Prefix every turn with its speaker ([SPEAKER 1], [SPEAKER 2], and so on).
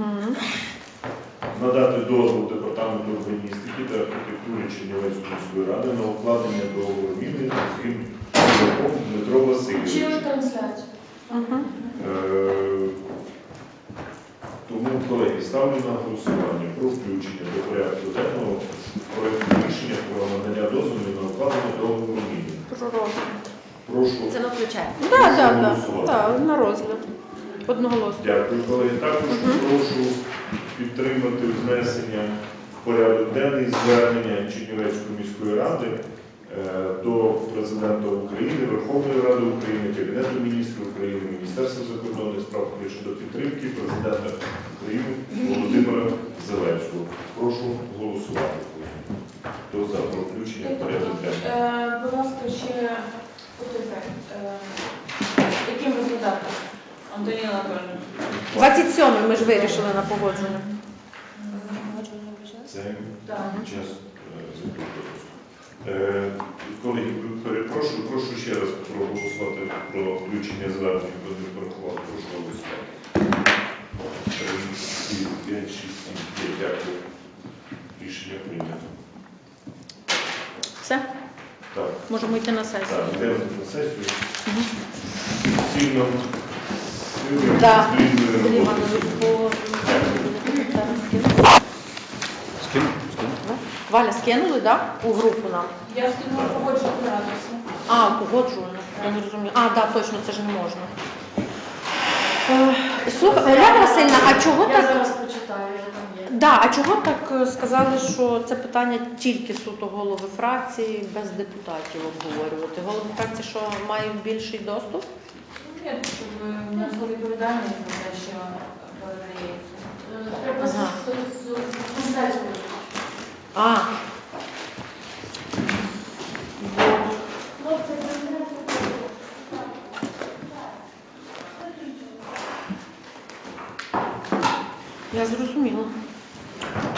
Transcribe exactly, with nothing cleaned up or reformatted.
[SPEAKER 1] Угу.
[SPEAKER 2] Надати дозвіл Департаменту урбаністики та архітектури Чернівецької міської ради на укладення договору міни з Гімчуком Дмитро Васильович.
[SPEAKER 3] Чи трансляцію?
[SPEAKER 1] Угу.
[SPEAKER 2] Е, Тому, колеги, ставлю на голосування про включення до порядку денного проекту рішення про надання дозволу на укладення договору міни.
[SPEAKER 1] Про розгляд.
[SPEAKER 2] Прошу.
[SPEAKER 4] Це ми включаємо.
[SPEAKER 1] Так, так,
[SPEAKER 2] голосувати.
[SPEAKER 1] так, на розгляд. Одноголосно.
[SPEAKER 2] Дякую, колеги. Також прошу підтримати внесення в порядок денний звернення Чернівецької міської ради е, до Президента України, Верховної Ради України, Кабінету міністрів України, Міністерства закордонних справ України щодо підтримки Президента України Володимира Зеленського. Прошу голосувати. Хто за про включення в порядок денний?
[SPEAKER 3] Е, Будь ласка, ще потепер. Яким результатом? Антоніна Анатольовна.
[SPEAKER 1] двадцять сьомий ми ж вирішили на погодження.
[SPEAKER 2] Це
[SPEAKER 3] Так.
[SPEAKER 2] час закритого. Е, Колеги, перепрошую, прошу ще раз проголосувати про включення звернення, хто не порахував, прошу голосувати. три, п'ять, шість, сім, дев'ять. Дякую. Рішення прийнято.
[SPEAKER 1] Все?
[SPEAKER 2] Так.
[SPEAKER 1] Можемо йти на сесію.
[SPEAKER 2] Так, йдемо на сесію.
[SPEAKER 1] Угу.
[SPEAKER 2] Сильно
[SPEAKER 1] Так.
[SPEAKER 2] сильно
[SPEAKER 1] Іванович, по...
[SPEAKER 5] Скину? Скину?
[SPEAKER 1] Валя, скинули, так? У групу нам.
[SPEAKER 3] Я скинула погоджувати радості.
[SPEAKER 1] А, погоджувально. Я не розумію. А, так, точно, це ж не можна. Е, Слухай, Оля Васильівна, а чого
[SPEAKER 3] Я
[SPEAKER 1] так?
[SPEAKER 3] зараз почитаю, я там є.
[SPEAKER 1] Да, а чого так е, сказали, що це питання тільки суто голови фракції, без депутатів обговорювати? Голови фракції, що мають більший доступ?
[SPEAKER 3] Ні, щоб несли відповідальність за те, що передається. Треба
[SPEAKER 1] Ага.
[SPEAKER 3] консультацію.
[SPEAKER 1] А. Бо я зрозуміла.